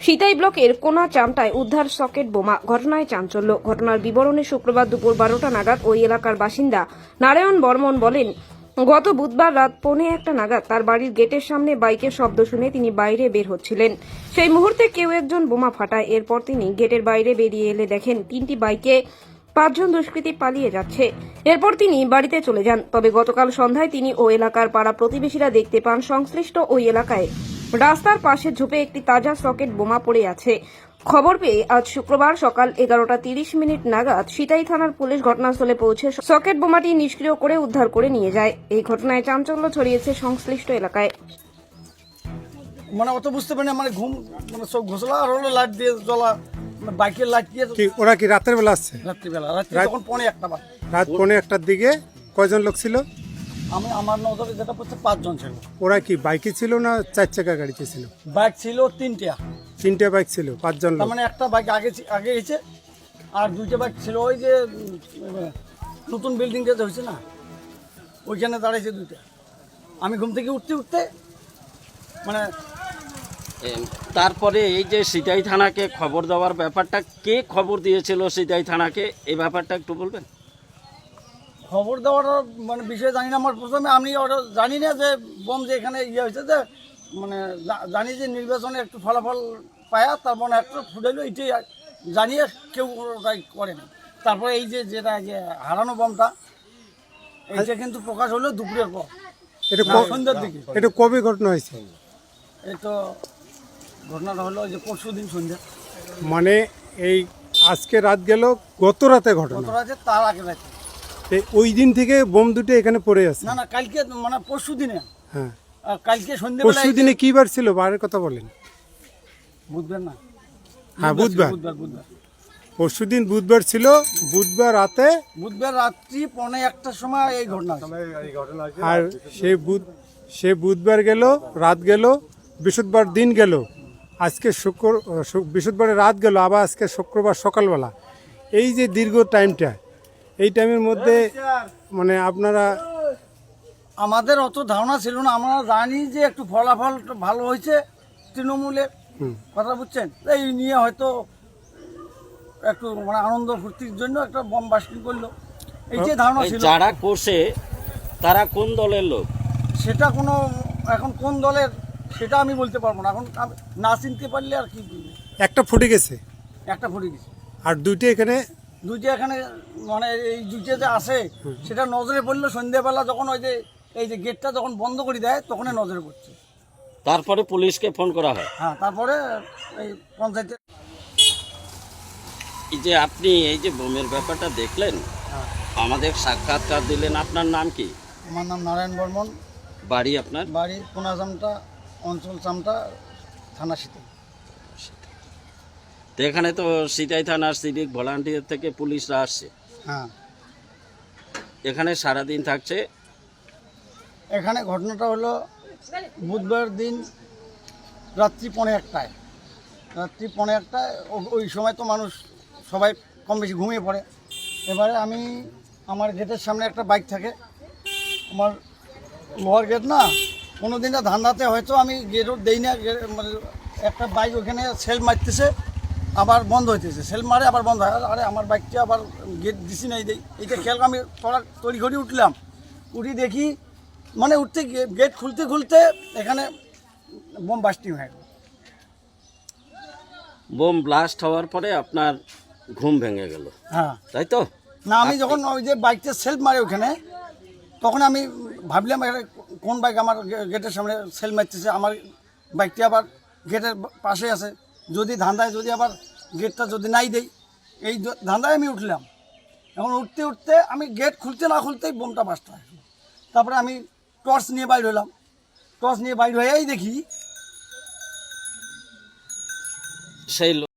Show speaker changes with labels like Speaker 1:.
Speaker 1: সিতাই ব্লকের কোনা চামটায় উদ্ধার সকেট বোমা, ঘটনায় চাঞ্চল্য। ঘটনার বিবরণে শুক্রবার দুপুর 12টা নাগাদ ওই এলাকার বাসিন্দা নারায়ণ বর্মন বলেন, গত বুধবার রাত 1:15 নাগাদ তার বাড়ির গেটের সামনে বাইকের শব্দ শুনে তিনি বাইরে বের হচ্ছিলেন। সেই মুহূর্তে কেউ একজন বোমা ফাটায়। এরপর তিনি গেটের বাইরে বেরিয়ে এলে দেখেন 3টি বাইকে 5 জন দুষ্কৃতী পালিয়ে যাচ্ছে। এরপর তিনি বাড়িতে চলে যান। তবে গতকাল সন্ধ্যায় তিনি ও এলাকার পাড়া প্রতিবেশীরা দেখতে পান সংশ্লিষ্ট ওই এলাকায় রাস্তার পাশে ঝোপে একটি তাজা সকেট বোমা পড়ে আছে। খবর পেয়ে আজ শুক্রবার সকাল 11:30 নাগাদ সিতাই থানার পুলিশ ঘটনাস্থলে পৌঁছে সকেট বোমাটি নিষ্ক্রিয় করে উদ্ধার করে নিয়ে যায়। এই ঘটনায় চাঞ্চল্য ছড়িয়েছে সংশ্লিষ্ট এলাকায়।
Speaker 2: মানে অত বুঝতে পারিনি, মানে ঘুম মানে সব ঘোষলা আর হলো লাইট দিয়ে জ্বলা, বাইকের লাইট দিয়ে।
Speaker 3: কি ওরা কি রাতের বেলা আসছে?
Speaker 2: রাত্রিবেলা, রাত্রি তখন 1:15 বাজে।
Speaker 3: রাত 1:15টার দিকে কয়জন লোক ছিল?
Speaker 2: আমার নজরে যেটা পড়ছে 5 জন ছিল।
Speaker 3: ওরা কি বাইকে ছিল না 4 চাকা গাড়িতে ছিল?
Speaker 2: বাইক ছিল 3টা।
Speaker 3: 3টে বাইক ছিল, 5 জন
Speaker 2: তার
Speaker 3: লোক।
Speaker 2: মানে একটা বাইক আগে গেছে আর 2টা বাইক ছিল ওই যে নতুন বিল্ডিং যেটা হয়েছে না, ওইখানে দাঁড়িয়েছে 2টা। আমি ঘুম থেকে উঠতে মানে
Speaker 4: তারপরে এই যে সিতাই থানাকে খবর দেওয়ার ব্যাপারটা, কে খবর দিয়েছিল সিতাই থানাকে, এই ব্যাপারটা একটু বলবেন?
Speaker 2: খবর দেওয়ার মানে বিষয় জানি না। আমার প্রথমে আমি ওটা জানি না যে বোম যে এখানে ইয়ে হয়েছে, যে মানে জানি যে নির্বাচনে একটু ফলাফল পায়া তার মানে একটা ফুটাইলো, এইটাই জানিয়ে কেউ ওটাই করেনি। তারপরে এই যে যেটা যে হারানো বোমটা, এইটা কিন্তু প্রকাশ হলো দুপুরের পর,
Speaker 3: এটা
Speaker 2: সন্ধ্যার দিকে।
Speaker 3: এটা কবে ঘটনা হয়েছে?
Speaker 2: এই তো ঘটনাটা হলো যে পরশুদিন সন্ধ্যা,
Speaker 3: মানে এই আজকে রাত গেল, গত রাতে
Speaker 2: কত
Speaker 3: ঘটনা।
Speaker 2: রাতে তার আগে রাতে।
Speaker 3: ওই দিন থেকে বোম দুটো এখানে পড়ে আছে।
Speaker 2: না কালকে মানে পরশু দিনে।
Speaker 3: হ্যাঁ,
Speaker 2: কালকে সন্ধ্যেবেলা।
Speaker 3: পরশু দিনে কি বার ছিল? বারের কথা বলেন।
Speaker 2: বুধবার না?
Speaker 3: হ্যাঁ, বুধবার।
Speaker 2: বুধবার
Speaker 3: পরশু দিন বুধবার ছিল। বুধবার রাতে,
Speaker 2: বুধবার রাত্রি 1:15টার সময় এই ঘটনা।
Speaker 3: আর সে বুধবার গেল, রাত গেল, বৃহস্পতিবার দিন গেল, আজকে বৃহস্পতিবারের রাত গেল, আবার আজকে শুক্রবার সকালবেলা। এই যে দীর্ঘ টাইমটা, এই টাইমের মধ্যে মানে আপনারা,
Speaker 2: আমাদের অত ধারণা ছিল না। আমরা জানি যে একটু ফলাফল ভালো হয়েছে তৃণমূলের, কথা বুঝছেন, এই নিয়ে হয়তো একটু মানে আনন্দ ফুর্তির জন্য একটা বম বাস্টিং করলো, এইটাই ধারণা
Speaker 4: এই
Speaker 2: ছিল।
Speaker 4: যারা করছে তারা কোন দলের লোক?
Speaker 2: সেটা কোনো এখন কোন দলের সেটা আমি বলতে পারবো না। এখন না চিনতে পারলে আর কি বলবো।
Speaker 3: একটা ফুটে গেছে
Speaker 2: একটা ফুটে গেছে,
Speaker 3: আর দুইটা এখানে।
Speaker 2: দুইটা এখানে মানে এই দুইটা যে আসে সেটা নজরে পড়লো সন্ধ্যেবেলা, যখন ওই যে এই যে গেটটা যখন বন্ধ করে দেয় তখনই নজরে পড়ছে।
Speaker 4: তারপরে পুলিশকে ফোন করা হয়।
Speaker 2: হ্যাঁ, তারপরে এই পঞ্চায়েতের।
Speaker 4: এই যে আপনি এই যে বোমের ব্যাপারটা দেখলেন, আমাদের সাক্ষাৎকার দিলেন, আপনার নাম কি?
Speaker 2: আমার নাম নারায়ণ বর্মন,
Speaker 4: বাড়ি আপনার?
Speaker 2: বাড়ি কোনা চামটা, অঞ্চল চামটা, থানা সিতাই।
Speaker 4: তো এখানে তো সিতাই থানার সিভিক ভলান্টিয়ার থেকে পুলিশরা আসছে,
Speaker 2: হ্যাঁ,
Speaker 4: এখানে সারাদিন থাকছে।
Speaker 2: এখানে ঘটনাটা হলো বুধবার দিন রাত্রি 1:15টায়। রাত্রি 1:15টায় ওই সময় তো মানুষ সবাই কম বেশি ঘুমিয়ে পড়ে। এবারে আমি আমার গেটের সামনে একটা বাইক থাকে, আমার লোহার গেট না, কোনো দিনটা ধান্দাতে হয়তো আমি গেটও দেই না, মানে একটা বাইক ওখানে সেল মারতেছে আবার বন্ধ হইতেছে, সেল মারে আবার বন্ধ হয়। আরে আমার বাইকটা আবার গেট দিছি নাই দেই, এইটা খেয়াল আমি তড়িঘড়ি উঠলাম, উঠি দেখি মানে উঠতে গেট খুলতে এখানে বোম বাস্টিং হয়ে গেল।
Speaker 4: বোম ব্লাস্ট হওয়ার পরে আপনার ঘুম ভেঙে গেল,
Speaker 2: হ্যাঁ,
Speaker 4: তাই তো?
Speaker 2: না আমি যখন ওই যে বাইকটা সেলফ মারে ওখানে, তখন আমি ভাবলাম এখানে কোন বাইক আমার গেটের সামনে সেল মারতেছে, আমার বাইকটি আবার গেটের পাশে আছে, যদি ধান্দায় যদি আবার গেটটা যদি নাই দেই, এই ধান্দায় আমি উঠলাম। এখন উঠতে আমি গেট খুলতে না খুলতেই বোমটা বাস্ট হয়। তারপরে আমি টর্চ নিয়ে বাইর হলাম, টর্চ নিয়ে বাইর হয়েই দেখি
Speaker 4: সেই